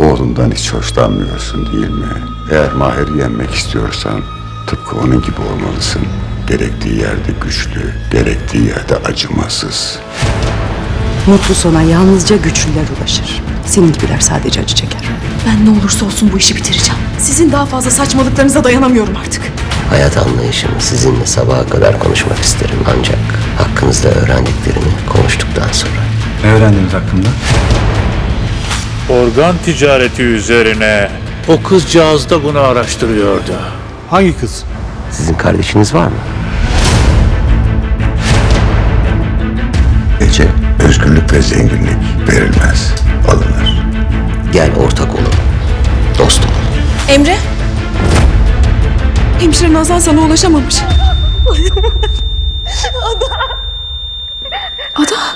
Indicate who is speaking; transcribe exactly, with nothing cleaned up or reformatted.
Speaker 1: Oğlundan hiç hoşlanmıyorsun değil mi? Eğer Mahir'i yenmek istiyorsan tıpkı onun gibi olmalısın. Gerektiği yerde güçlü, gerektiği yerde acımasız.
Speaker 2: Mutlu sona yalnızca güçlüler ulaşır. Senin gibiler sadece acı çeker.
Speaker 3: Ben ne olursa olsun bu işi bitireceğim. Sizin daha fazla saçmalıklarınıza dayanamıyorum artık.
Speaker 4: Hayat anlayışımı sizinle sabaha kadar konuşmak isterim ancak hakkınızda öğrendiklerimi konuştuktan sonra.
Speaker 5: Ne öğrendiniz hakkında?
Speaker 6: Organ ticareti üzerine. O kızcağız da bunu araştırıyordu.
Speaker 5: Hangi kız?
Speaker 4: Sizin kardeşiniz var mı?
Speaker 1: Ece, özgürlük ve zenginlik verilmez, alınır.
Speaker 4: Gel ortak olun, dost olun.
Speaker 3: Emre? Hemşire Nazan sana ulaşamamış. Ada. Ada.